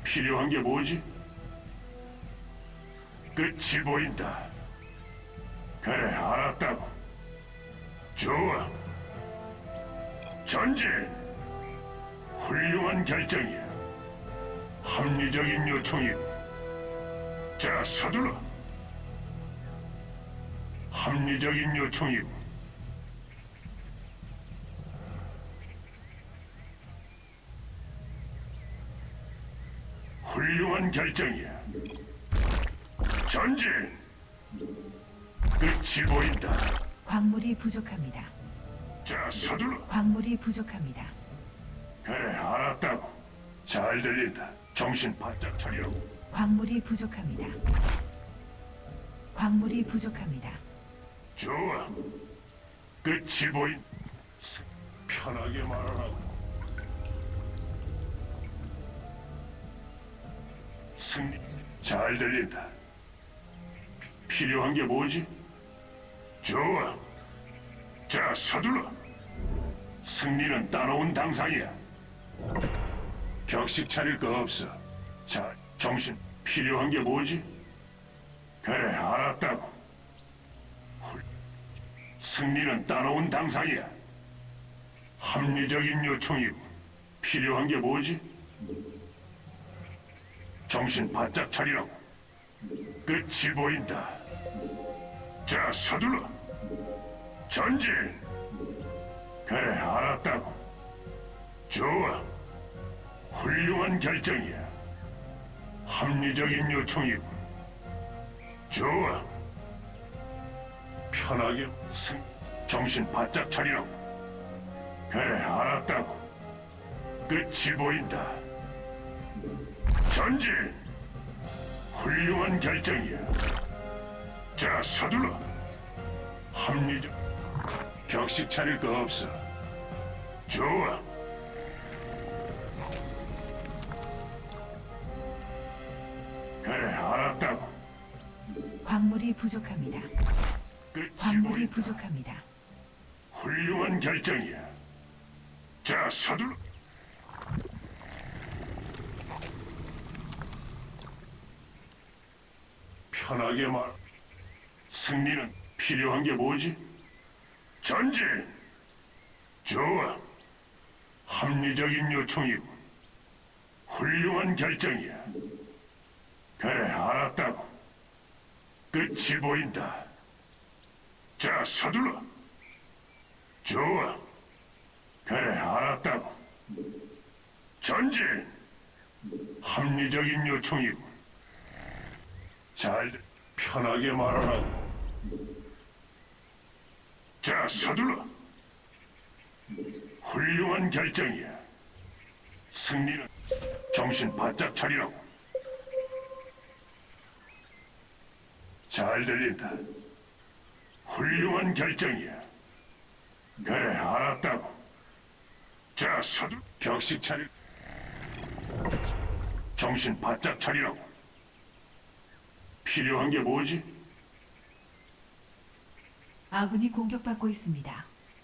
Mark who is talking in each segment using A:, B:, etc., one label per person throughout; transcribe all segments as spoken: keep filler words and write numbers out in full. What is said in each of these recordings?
A: 필요한 게 뭐지? 끝이 보인다. 그래, 알았다고. 좋아. 전진. 훌륭한 결정이야. 합리적인 요청이고. 자, 서둘러. 합리적인 요청이고. 훌륭한 결정이야. 전진. 끝이 보인다.
B: 광물이 부족합니다.
A: 자, 서둘러.
B: 광물이 부족합니다.
A: 그래, 알았다고. 잘 들린다. 정신 바짝 차리라고.
B: 광물이 부족합니다. 광물이 부족합니다.
A: 좋아. 끝이 보인. 스- 편하게 말하라고. 승리. 잘 들린다. 필요한 게 뭐지? 좋아. 자, 서둘러. 승리는 따놓은 당상이야. 격식 차릴 거 없어. 자, 정신. 필요한 게 뭐지? 그래, 알았다고. 훌- 승리는 따놓은 당상이야. 합리적인 요청이고. 필요한 게 뭐지? 정신 바짝 차리라고. 끝이 보인다. 자, 서둘러. 전진. 그래, 알았다고. 좋아. 훌륭한 결정이야. 합리적인 요청이고. 좋아. 편하게 승. 정신 바짝 차리라고. 그래, 알았다고. 끝이 보인다. 전진. 훌륭한 결정이야. 자, 서둘러. 합리적. 격식 차릴 거 없어. 좋아. 그래, 알았다고.
B: 광물이 부족합니다.
A: 끝이
B: 광물이
A: 보인다.
B: 부족합니다.
A: 훌륭한 결정이야. 자, 서둘러. 편하게 말. 승리는 필요한 게 뭐지? 전진. 좋아. 합리적인 요청이고. 훌륭한 결정이야. 그래, 알았다고. 끝이 보인다. 자, 서둘러. 좋아. 그래, 알았다고. 전진. 합리적인 요청이고. 잘, 편하게 말하라고. 자, 서둘러. 훌륭한 결정이야. 승리는 정신 바짝 차리라고. 잘 들린다. 훌륭한 결정이야. 그래, 알았다고. 자, 서둘러. 격식 차리. 정신 바짝 차리라고. 필요한 게 뭐지?
B: 아군이 공격받고 있습니다.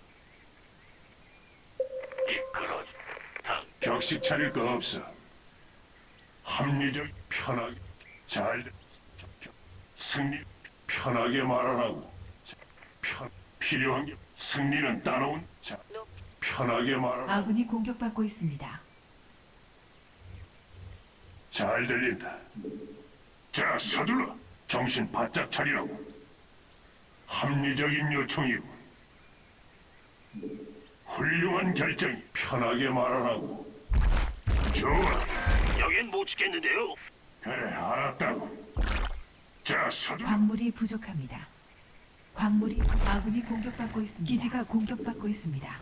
A: 이끌어. 격식 차릴 거 없어. 합리적, 편하게. 잘. 승리. 편하게 말하라고. 자, 편. 필요한 게. 승리는 따놓은. 자, 편하게 말하라고.
B: 아군이 공격받고 있습니다.
A: 잘 들린다. 자, 서둘러. 정신 바짝 차리라고. 합리적인 요청이고. 훌륭한 결정이. 편하게 말하라고. 좋아.
C: 여긴 못 지켰는데요.
A: 그래, 알았다고. 자, 서둘러.
B: 광물이 부족합니다. 광물이 아군이 공격받고 있습니다. 기지가 공격받고 있습니다.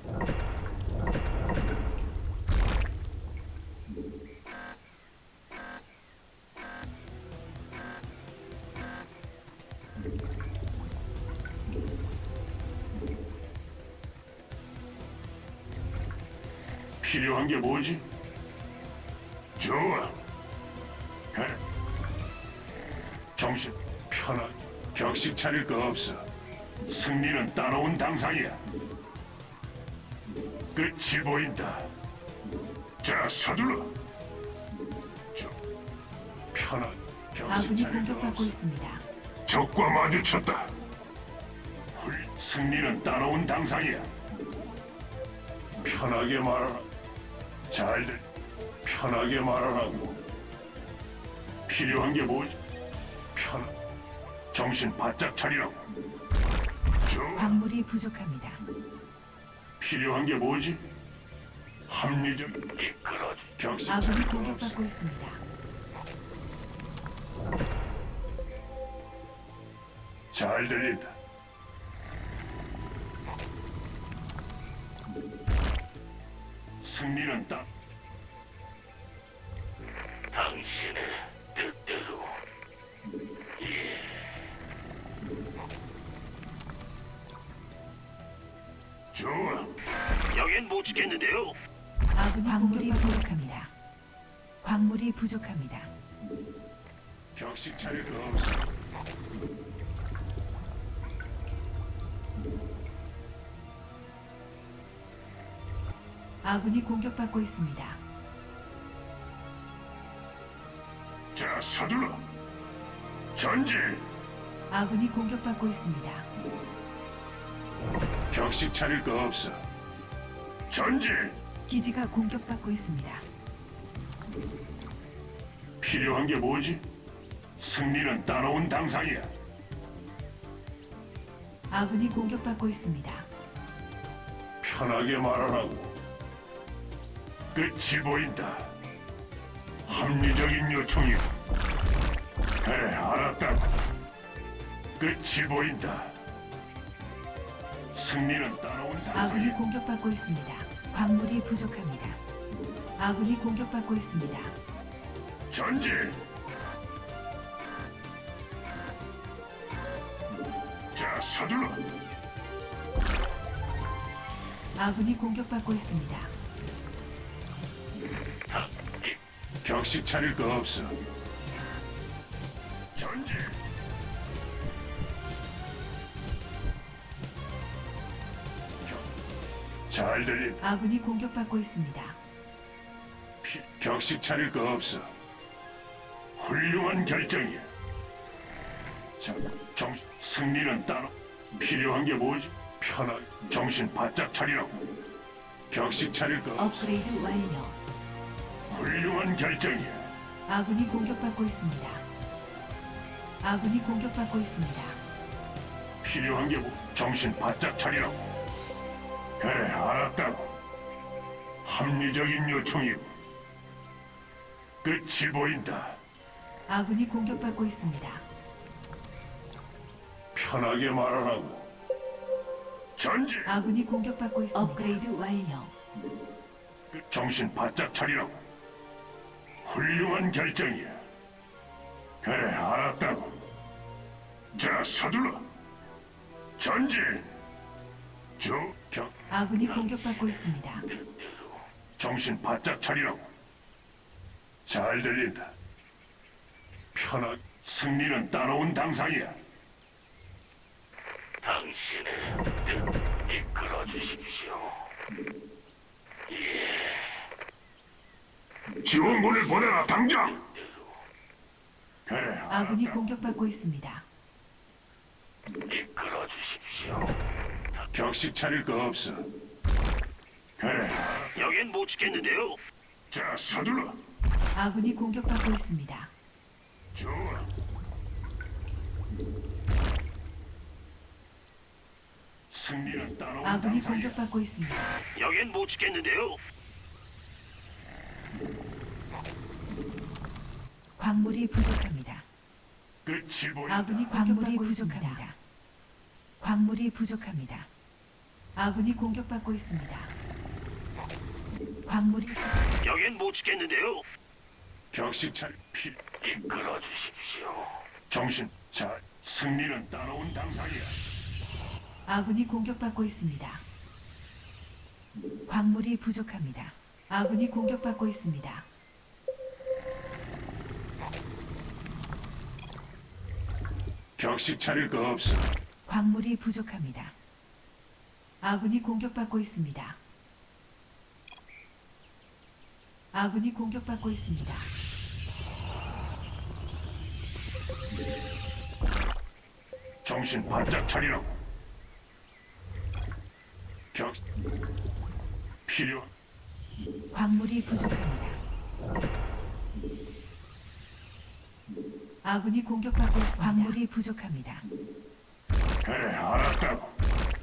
A: 필요한 게 뭐지? 좋아. 그래. 정신 편하게. 격식 차릴 거 없어. 승리는 따놓은 당상이야. 끝이 보인다. 자, 서둘러. 저, 편안. 격식
B: 아군이
A: 차릴 거
B: 공격받고
A: 없어.
B: 있습니다.
A: 적과 마주쳤다. 훌, 승리는 따라온 당상이야. 편하게 말하라. 잘들. 편하게 말하라고. 필요한 게 뭐지? 편. 정신 바짝 차리라고. 좋아.
B: 광물이 부족합니다.
A: 필요한 게 뭐지? 합리적. 이끌어. 격식
B: 아군이
A: 차릴 거 없어.
B: 공격받고 있습니다.
A: 잘 들린다. 승리는 딱.
C: 당신의 뜻대로.
A: 좋아.
C: 여긴 못 지켰는데요.
B: 아군이 광물이 부족합니다. 광물이 부족합니다.
A: 격식 차릴 거 없어.
B: 아군이 공격받고 있습니다.
A: 자, 서둘러. 전진.
B: 아군이 공격받고 있습니다.
A: 격식 차릴 거 없어. 전진.
B: 기지가 공격받고 있습니다.
A: 필요한 게 뭐지? 승리는 따라온 당상이야.
B: 아군이 공격받고 있습니다.
A: 편하게 말하라고. 끝이 보인다. 합리적인 요청이야. 그래, 알았다고. 끝이 보인다. 승리는 따라온
B: 아군이
A: 당상이야.
B: 공격받고 있습니다. 광물이 부족합니다. 아군이 공격받고 있습니다.
A: 전진. 자, 서둘러.
B: 아군이 공격받고 있습니다.
A: 격식 차릴 거 없어. 전진. 격- 잘 들린.
B: 아군이 공격받고 있습니다.
A: 피- 격식 차릴 거 없어. 훌륭한 결정이야. 자, 정 승리는 따로. 필요한 게 뭐지? 편하게 정신 바짝 차리라고. 격식 차릴 거 없어.
B: 업그레이드 완료.
A: 훌륭한 결정이야.
B: 아군이 공격받고 있습니다. 아군이 공격받고 있습니다.
A: 필요한 게 뭐? 정신 바짝 차리라고. 그래, 알았다고. 합리적인 요청이고. 끝이 보인다.
B: 아군이 공격받고 있습니다.
A: 편하게 말하라고. 전진.
B: 아군이 공격받고 있습니다. 업그레이드 완료.
A: 정신 바짝 차리라고. 훌륭한 결정이야. 그래, 알았다고. 자, 서둘러. 전진. 저, 격,
B: 아군이 공격받고 있습니다.
A: 정신 바짝 차리라고. 잘 들린다. 편하게. 승리는 따라온 당상이야.
C: 당신의 뜻 이끌어 주십시오.
A: 지원군을 보내라, 당장. 그래,
B: 아군이
A: 알았다.
B: 공격받고 있습니다.
C: 이끌어 주십시오.
A: 격식 차릴 거 없어. 그래.
C: 여긴 못 지켰는데요.
A: 자, 서둘러.
B: 아군이 공격받고 있습니다.
A: 좋아. 승리는 따라온
B: 아군이
A: 당상이야.
B: 공격받고 있습니다.
C: 여긴 못 지켰는데요.
B: 광물이 부족합니다.
A: 끝이 보인다.
B: 아군이 광물이 부족합니다. 광물이 부족합니다. 아군이 공격받고 있습니다. 광물이
C: 여긴 못 지켰는데요.
A: 격식 차릴 피.
C: 이끌어 주십시오.
A: 정신. 자, 승리는 따라온 당상이야.
B: 아군이 공격받고 있습니다. 광물이 부족합니다. 아군이 공격받고 있습니다.
A: 격식 차릴 거 없어.
B: 광물이 부족합니다. 아군이 공격받고 있습니다. 아군이 공격받고 있습니다.
A: 정신 바짝 차리라고. 격 필요
B: 광물이 부족합니다. 아군이 공격받고 있습니다. 광물이 부족합니다.
A: 그래 알았다고.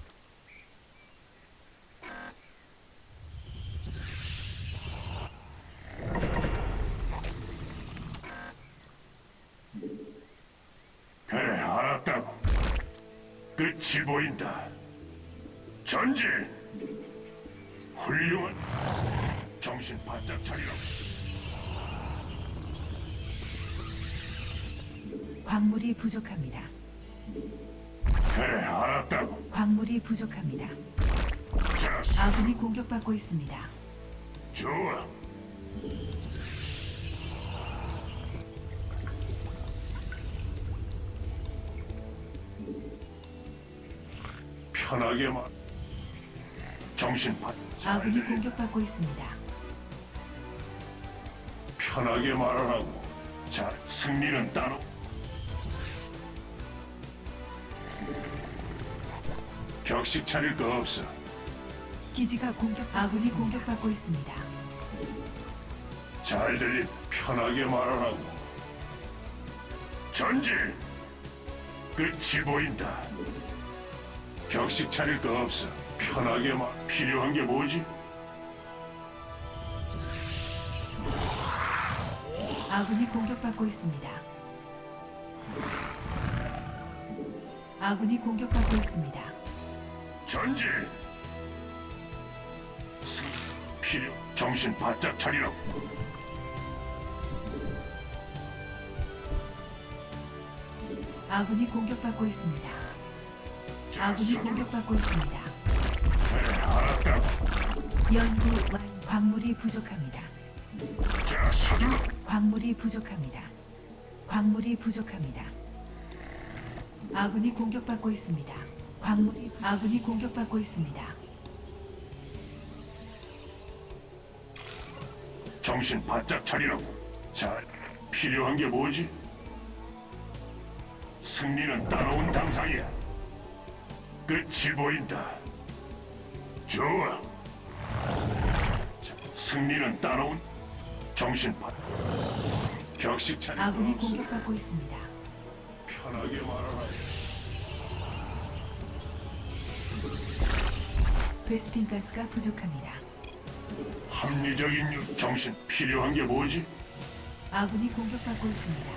A: 그래 알았다고. 끝이 보인다. 전진. 훌륭한. 정신 바짝 차리라고.
B: 광물이 부족합니다.
A: 그래 알았다고.
B: 광물이 부족합니다.
A: 자,
B: 아군이 공격받고 있습니다.
A: 좋아. 편하게 말. 정신 바.
B: 아군이 공격받고 있습니다.
A: 편하게 말하라고. 자, 승리는 따로. 격식 차릴 거 없어.
B: 기지가 공격 아군이 공격받고 있습니다.
A: 잘 들린 편하게 말하라고. 전진. 끝이 보인다. 격식 차릴 거 없어. 편하게 말. 필요한 게 뭐지?
B: 아군이 공격받고 있습니다. 아군이 공격받고 있습니다.
A: 전진. 승 필요. 정신 바짝 차리라고.
B: 아군이 공격받고 있습니다.
A: 자,
B: 아군이
A: 서둘러.
B: 공격받고 있습니다.
A: 그래, 알았다고.
B: 연구 완 광물이 부족합니다.
A: 자, 서둘러.
B: 광물이 부족합니다. 광물이 부족합니다. 아군이 공격받고 있습니다. 광물이 아군이 공격받고 있습니다.
A: 정신 바짝 차리라고. 자, 필요한 게 뭐지? 승리는 따라온 당상이야. 끝이 보인다. 좋아. 자, 승리는 따라온. 정신 바. 격식 차릴 거
B: 아군이
A: 없어.
B: 공격받고 있습니다.
A: 편하게 말하라.
B: 베스핀 가스가 부족합니다.
A: 합리적인 유. 정신 필요한 게 뭐지?
B: 아군이 공격받고 있습니다.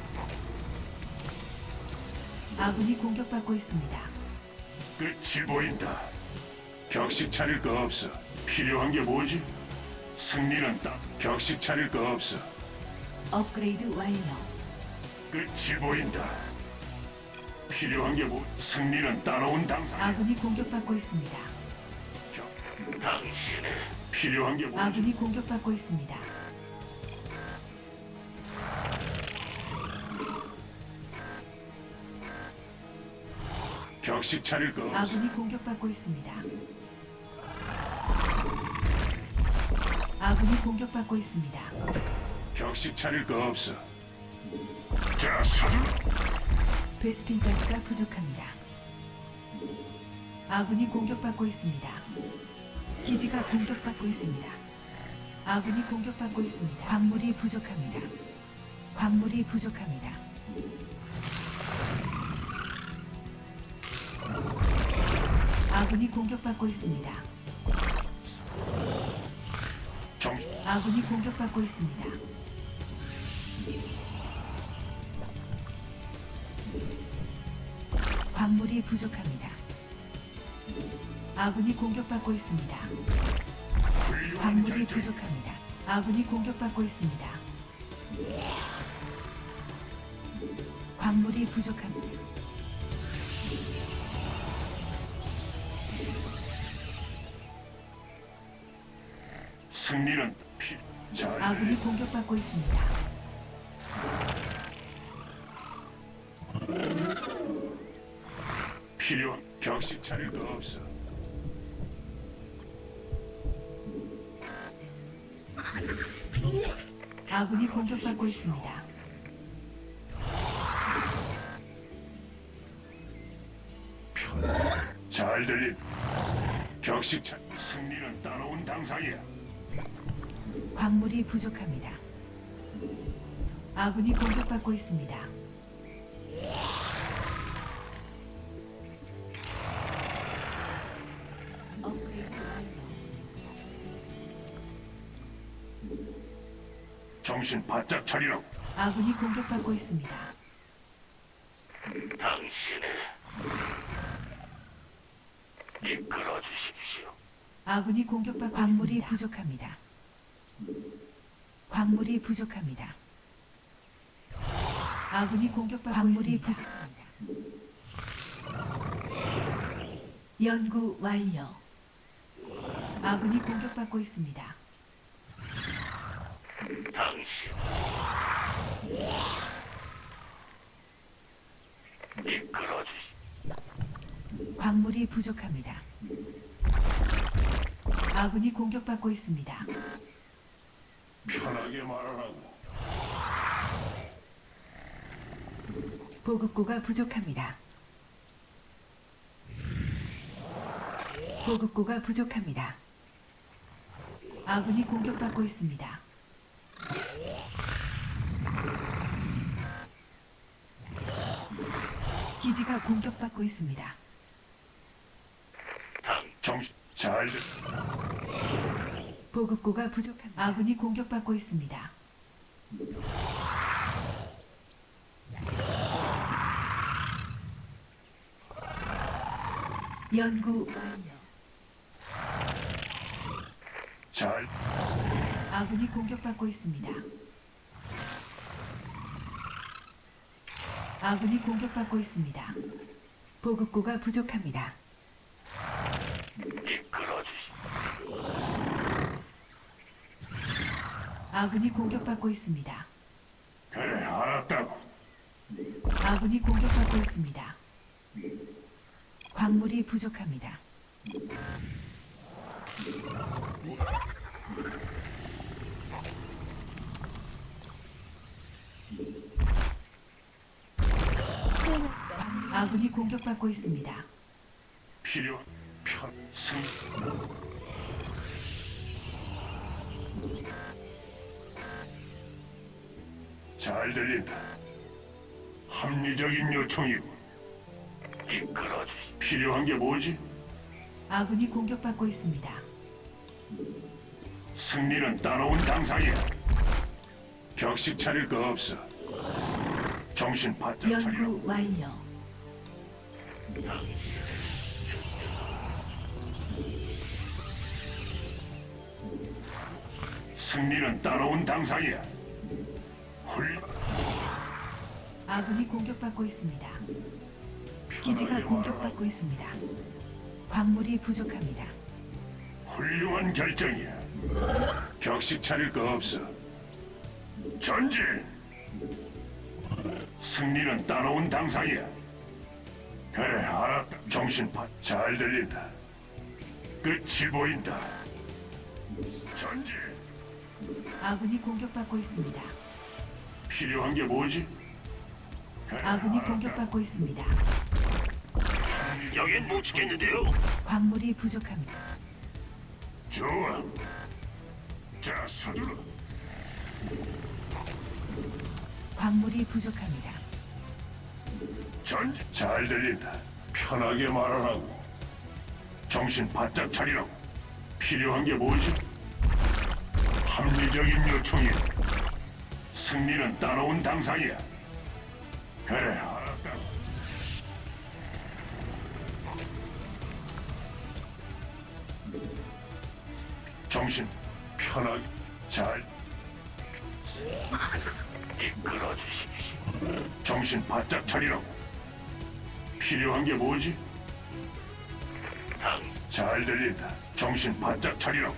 B: 아군이 공격받고 있습니다.
A: 끝이 보인다. 격식 차릴 거 없어. 필요한 게 뭐지? 승리는 따. 격식 차릴 거 없어.
B: 업그레이드 완료.
A: 끝이 보인다. 필요한 게 뭐? 승리는 따라온 당상.
B: 아군이 공격받고 있습니다.
A: 격-
C: 당신의
A: 필요한 게 뭐지?
B: 아군이 공격받고 있습니다.
A: 격식 차릴 거 없어.
B: 아군이 공격받고 있습니다. 아군이 공격받고 있습니다.
A: 격식 차릴 거 없어. 자, 서둘러.
B: 베스핀 가스가 부족합니다. 아군이 공격받고 있습니다. 기지가 공격받고 있습니다. 아군이 공격받고 있습니다. 광물이 부족합니다. 광물이 부족합니다. 아군이 공격받고 있습니다.
A: 정신.
B: 아군이 공격받고 있습니다. 광물이 부족합니다. 아군이 공격받고 있습니다.
A: 훌륭한
B: 광물이
A: 결정.
B: 부족합니다. 아군이 공격받고 있습니다. 광물이 부족합니다.
A: 승리는 피. 자,
B: 아군이 공격받고 있습니다.
A: 필요한 격식 차릴 거 없어.
B: 아군이 공격받고 있습니다.
A: 잘 들린. 격식차. 승리는 따라온 당상이야.
B: 광물이 부족합니다. 아군이 공격받고 있습니다. 업그레이드 완료.
A: 정신 바짝 차리라고.
B: 아군이 공격받고 있습니다.
C: 당신을 이끌어 주십시오.
B: 아군이 공격받고 광물이 있습니다. 부족합니다. 광물이 부족합니다. 아군이 공격받고 광물이 있습니다. 부족합니다. 연구 완료. 아군이 공격받고 있습니다.
C: 당신 이끌어 주시.
B: 광물이 부족합니다. 아군이 공격받고 있습니다.
A: 편하게 말하라고.
B: 보급고가 부족합니다. 보급고가 부족합니다. 아군이 공격받고 있습니다. 기지가 공격받고 있습니다.
A: 정신 잘 들.
B: 보급고가 부족합니다. 아군이 공격받고 있습니다. 연구 완료.
A: 잘.
B: 아군이 공격받고 있습니다. 아군이 공격받고 있습니다. 보급고가 부족합니다.
C: 이끌어 주시.
B: 아군이 공격받고 있습니다.
A: 그래 알았다고.
B: 아군이 공격받고 있습니다. 광물이 부족합니다.
D: 수행했어.
B: 아군이 공격받고 있습니다.
A: 필요 편 승. 잘 들린다. 합리적인 요청이고.
C: 이끌어 주시.
A: 필요한 게 뭐지?
B: 아군이 공격받고 있습니다.
A: 승리는 따라온 당상이야. 격식 차릴 거 없어. 정신 바짝 차리라고.
B: 연구 완료.
A: 승리는 따라온 당상이야. 훌.
B: 아군이 공격받고 있습니다. 기지가
A: 편하게
B: 공격받고 있습니다. 광물이 부족합니다.
A: 훌륭한 결정이야. 격식 차릴 거 없어. 전진. 승리는 따라온 당상이야. 그래 알았다. 정신파 잘 들린다. 끝이 보인다. 전진.
B: 아군이 공격받고 있습니다.
A: 필요한 게 뭐지? 그래,
B: 아군이
A: 알았다.
B: 공격받고 있습니다.
C: 여긴 못 지켰는데요.
B: 광물이 부족합니다.
A: 좋아. 자 서둘러.
B: 광물이 부족합니다.
A: 전진. 잘 들린다. 편하게 말하라고. 정신 바짝 차리라고. 필요한 게 뭐지? 합리적인 요청이야. 승리는 따라온 당상이야. 그래, 알았다. 정신 편하게 잘.
C: 이끌어 주십시오.
A: 정신 바짝 차리라고. 필요한 게 뭐지?
C: 당
A: 잘 들린다. 정신 바짝 차리라고.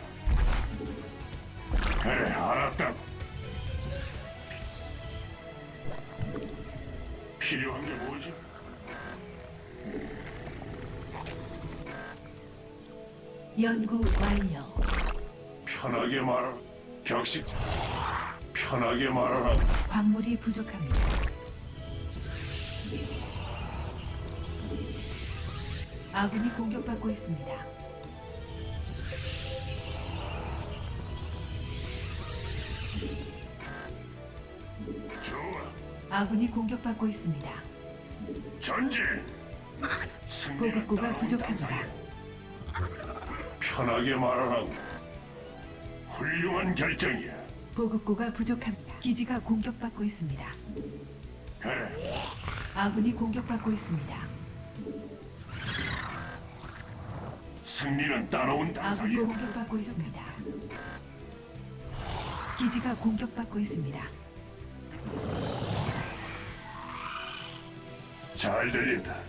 A: 그래, 알았다고. 필요한 게 뭐지?
B: 연구 완료.
A: 편하게 말하라. 격식. 편하게 말하라.
B: 광물이 부족합니다. 아군이 공격받고 있습니다.
A: 좋아.
B: 아군이 공격받고 있습니다.
A: 전진. 승리는
B: 보급고가
A: 따라온다.
B: 부족합니다.
A: 편하게 말하라고. 훌륭한 결정이야.
B: 보급고가 부족합니다. 기지가 공격받고 있습니다.
A: 그래.
B: 아군이 공격받고 있습니다.
A: 승리는 따라온
B: 아군이
A: 당상이야.
B: 공격받고 있습니다. 기지가 공격받고 있습니다.
A: 잘 들린다.